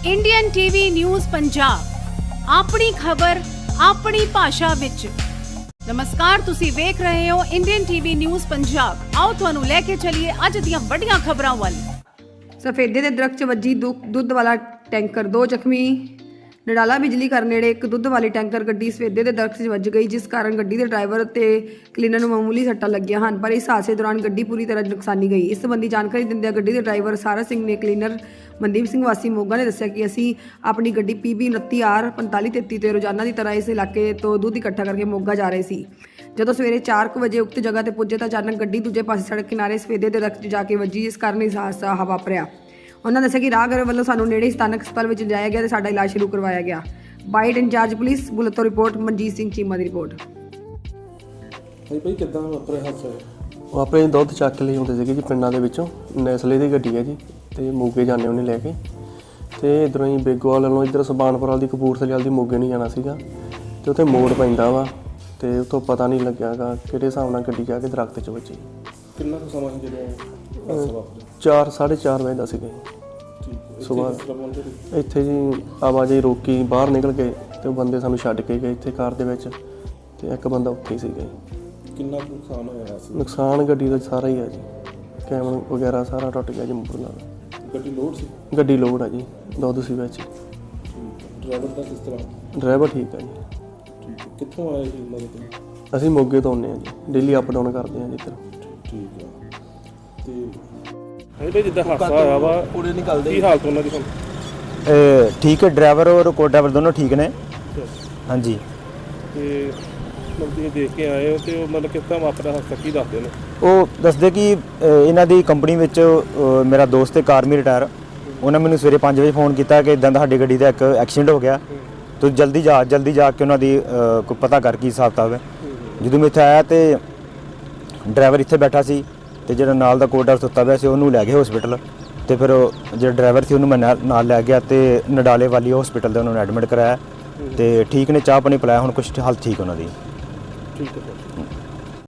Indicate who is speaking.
Speaker 1: Indian TV news Punjab ਆਪਣੀ ਖਬਰ ਆਪਣੀ ਭਾਸ਼ਾ ਵਿੱਚ। ਨਮਸਕਾਰ, ਤੁਸੀਂ ਵੇਖ ਰਹੇ ਹੋ ਇੰਡੀਅਨ ਟੀਵੀ ਨਿਊਜ਼ ਪੰਜਾਬ। ਆਓ ਤੁਹਾਨੂੰ ਲੈ ਕੇ ਚੱਲੀਏ ਅੱਜ ਦੀਆਂ ਵੱਡੀਆਂ ਖਬਰਾਂ ਵੱਲ।
Speaker 2: ਸਫੇਦੇ ਦੇ ਦਰਖਤ 'ਚ ਵੱਜੀ ਦੁੱਧ ਵਾਲਾ ਟੈਂਕਰ, 2 ਜ਼ਖਮੀ। ਨਡਾਲਾ ਬਿਜਲੀ ਘਰ ਨੇੜੇ ਇੱਕ ਦੁੱਧ ਵਾਲੀ ਟੈਂਕਰ ਗੱਡੀ ਸਫੇਦੇ ਦੇ ਦਰਖਤ 'ਚ ਵੱਜ ਗਈ, ਜਿਸ ਕਾਰਨ ਗੱਡੀ ਦੇ ਡਰਾਈਵਰ ਤੇ ਕਲੀਨਰ ਨੂੰ ਮਾਮੂਲੀ ਸੱਟਾਂ ਲੱਗੀਆਂ ਹਨ, ਪਰ ਇਸ ਹਾਦਸੇ ਦੌਰਾਨ ਗੱਡੀ ਪੂਰੀ ਤਰ੍ਹਾਂ ਨੁਕਸਾਨੀ ਗਈ। ਇਸ ਸੰਬੰਧੀ ਜਾਣਕਾਰੀ ਦਿੰਦਿਆਂ ਗੱਡੀ ਦੇ ਡਰਾਈਵਰ ਸਾਰਾ ਸਿੰਘ ਨੇ ਕਲੀਨਰ ਮਨਦੀਪ ਸਿੰਘ ਵਾਸੀ ਮੋਗਾ ਨੇ ਦੱਸਿਆ ਕਿ ਅਸੀਂ ਆਪਣੀ ਗੱਡੀ PB 29R 4533 ਤੇ ਰੋਜ਼ਾਨਾ ਦੀ ਤਰ੍ਹਾਂ ਇਸ ਇਲਾਕੇ ਤੋਂ ਦੁੱਧ ਇਕੱਠਾ ਕਰਕੇ ਮੋਗਾ ਜਾ ਰਹੇ ਸੀ। ਜਦੋਂ ਸਵੇਰੇ 4 ਵਜੇ ਉਕਤ ਜਗ੍ਹਾ ਤੇ ਪੁੱਜੇ ਤਾਂ ਅਚਾਨਕ ਗੱਡੀ ਦੂਜੇ ਪਾਸੇ ਸੜਕ ਕਿਨਾਰੇ ਸਫੇਦੇ ਦੇ ਦਰਖਤ 'ਚ ਜਾ ਕੇ ਵੱਜੀ, ਜਿਸ ਕਾਰਨ ਇਸ ਹਾਦਸਾ ਵਾਪਰਿਆ। ਉਹਨਾਂ ਦੱਸਿਆ ਕਿ ਰਾਹਗੀਰ ਵੱਲੋਂ ਸਾਨੂੰ ਨੇੜੇ ਸਥਾਨਕ ਹਸਪਤਾਲ ਵਿੱਚ ਲਿਜਾਇਆ ਗਿਆ ਤੇ ਸਾਡਾ ਇਲਾਜ ਸ਼ੁਰੂ ਕਰਵਾਇਆ ਗਿਆ। ਬਾਈਟ ਇੰਚਾਰਜ ਪੁਲਿਸ ਬੁਲਟ ਤੋਂ ਰਿਪੋਰਟ ਮਨਜੀਤ ਸਿੰਘ ਚੀਮਾ ਦੀ ਰਿਪੋਰਟ।
Speaker 3: ਭਾਈ ਕਿੱਦਾਂ ਵਾਪਰਿਆ ਹਾਦਸਾ?
Speaker 4: ਉਹ ਆਪਣੇ ਦੁੱਧ ਚੱਕ ਲਈ ਹੁੰਦੇ ਸੀਗੇ ਜੀ ਪਿੰਡਾਂ ਦੇ ਵਿੱਚੋਂ। ਨੈਸਲੇ ਦੀ ਗੱਡੀ ਹੈ ਜੀ ਤੇ ਮੋਗੇ ਜਾਂਦੇ ਉਹਨੇ ਲੈ ਕੇ, ਤੇ ਇੱਧਰੋਂ ਹੀ ਬੇਗੋਵਾਲ ਵੱਲੋਂ ਇੱਧਰ ਸੁਬਾਨਪੁਰ ਵਾਲੀ ਦੀ ਕਪੂਰਥਲੇ ਵਾਲੀ ਦੀ ਮੋਗੇ ਨਹੀਂ ਜਾਣਾ ਸੀਗਾ, ਤੇ ਉੱਥੇ ਮੋੜ ਪੈਂਦਾ ਵਾ ਤੇ ਉੱਥੋਂ ਪਤਾ ਨਹੀਂ ਲੱਗਿਆਗਾ ਕਿਹੜੇ ਹਿਸਾਬ ਨਾਲ ਗੱਡੀ ਜਾ ਕੇ ਦਰਖਤ 'ਚ ਵੱਜੀ।
Speaker 3: ਕਿੰਨਾ ਕੁ ਸਮਾਂ ਸੀ ਜਦੋਂ ਹਾਦਸਾ ਵਾਪਰਿਆ?
Speaker 4: 4-4:30 ਵਜੇ ਦਾ ਸੀਗਾ ਸੁਬਾਹ। ਇੱਥੇ ਜੀ ਆਵਾਜਾਈ ਰੋਕੀ, ਬਾਹਰ ਨਿਕਲ ਗਏ ਤੇ ਉਹ ਬੰਦੇ ਸਾਨੂੰ ਛੱਡ ਕੇ ਗਏ ਇੱਥੇ ਕਾਰ ਦੇ ਵਿੱਚ, ਤੇ ਇੱਕ ਬੰਦਾ ਉੱਥੇ ਹੀ ਸੀਗਾ।
Speaker 3: ਕਿੰਨਾ ਕੁ ਨੁਕਸਾਨ ਹੋਇਆ ਸੀ?
Speaker 4: ਨੁਕਸਾਨ ਗੱਡੀ ਦਾ ਸਾਰਾ ਹੀ ਆ ਜੀ, ਕੈਮਰਾ ਵਗੈਰਾ ਸਾਰਾ ਟੁੱਟ ਗਿਆ ਜੀ ਮੂਹਰੇ ਨਾਲ।
Speaker 3: ਗੱਡੀ ਲੋਡ ਸੀ?
Speaker 4: ਗੱਡੀ ਲੋਡ ਆ ਜੀ, ਦੁੱਧ ਸੀ ਵਿੱਚ।
Speaker 3: ਡਰਾਈਵਰ ਦਾ ਕਿਸ ਤਰ੍ਹਾਂ?
Speaker 4: ਡਰਾਈਵਰ ਠੀਕ ਆ ਜੀ।
Speaker 3: ਕਿੱਥੋਂ ਆਏ ਸੀ ਉਹਨਾਂ ਦੇ?
Speaker 4: ਅਸੀਂ ਮੋਗੇ ਤੋਂ ਆਉਂਦੇ ਹਾਂ ਜੀ, ਡੇਲੀ ਅਪ ਡਾਊਨ ਕਰਦੇ ਹਾਂ ਜੀ ਇੱਧਰ।
Speaker 3: ਠੀਕ ਆ। ਤੇ ਇਹਦੇ ਜਿੱਦਾਂ ਹਾਦਸਾ ਹੋਇਆ ਵਾ ਪੂਰੇ ਨਿਕਲਦੇ ਕੀ ਹਾਲਤ ਉਹਨਾਂ ਦੀ ਹੁਣ?
Speaker 5: ਠੀਕ ਹੈ, ਡਰਾਈਵਰ ਔਰ ਕੋ ਡਰਾਈਵਰ ਦੋਨੋਂ ਠੀਕ ਨੇ। ਹਾਂਜੀ।
Speaker 3: ਤੇ ਤੁਸੀਂ ਦੇਖ ਕੇ ਆਏ ਹੋ ਤੇ ਉਹ ਮਤਲਬ ਕਿਸ ਤਰ੍ਹਾਂ ਵਾਪਰਿਆ ਹਾਦਸਾ, ਕੀ ਦੱਸਦੇ ਨੇ?
Speaker 5: ਉਹ ਦੱਸਦੇ ਕਿ ਇਹਨਾਂ ਦੀ ਕੰਪਨੀ ਵਿੱਚ ਮੇਰਾ ਦੋਸਤ ਹੈ ਕਾਰਮੀ ਰਿਟਾਇਰ, ਉਹਨਾਂ ਮੈਨੂੰ ਸਵੇਰੇ 5 ਵਜੇ ਫੋਨ ਕੀਤਾ ਕਿ ਇਦਾਂ ਤੁਹਾਡੀ ਗੱਡੀ ਦਾ ਇੱਕ ਐਕਸੀਡੈਂਟ ਹੋ ਗਿਆ, ਤੂੰ ਜਲਦੀ ਜਾ ਕੇ ਉਹਨਾਂ ਦੀ ਕੋਈ ਪਤਾ ਕਰ ਕੀ ਹਿਸਾਬ ਕਿਤਾਬ ਹੈ। ਜਦੋਂ ਮੈਂ ਇੱਥੇ ਆਇਆ ਤੇ ਡਰਾਈਵਰ ਇੱਥੇ ਬੈਠਾ ਸੀ ਤੇ ਜਿਹੜਾ ਨਾਲ ਦਾ ਕੋਡਰ ਸੁੱਤਾ ਪਿਆ ਸੀ ਉਹਨੂੰ ਲੈ ਗਏ ਹਸਪੀਟਲ, ਤੇ ਫਿਰ ਜਿਹੜਾ ਡਰਾਈਵਰ ਸੀ ਉਹਨੂੰ ਮੈਂ ਨਾਲ ਲੈ ਗਿਆ ਤੇ ਨਡਾਲੇ ਵਾਲੀ ਹਸਪੀਟਲ ਦੇ ਉਹਨਾਂ ਨੂੰ ਐਡਮਿਟ ਕਰਾਇਆ ਤੇ ਠੀਕ ਨੇ, ਚਾਹ ਪਾਣੀ ਪਿਲਾਇਆ, ਹੁਣ ਕੁਛ ਹਾਲਤ ਠੀਕ ਉਹਨਾਂ ਦੀ।
Speaker 3: ਠੀਕ ਹੈ।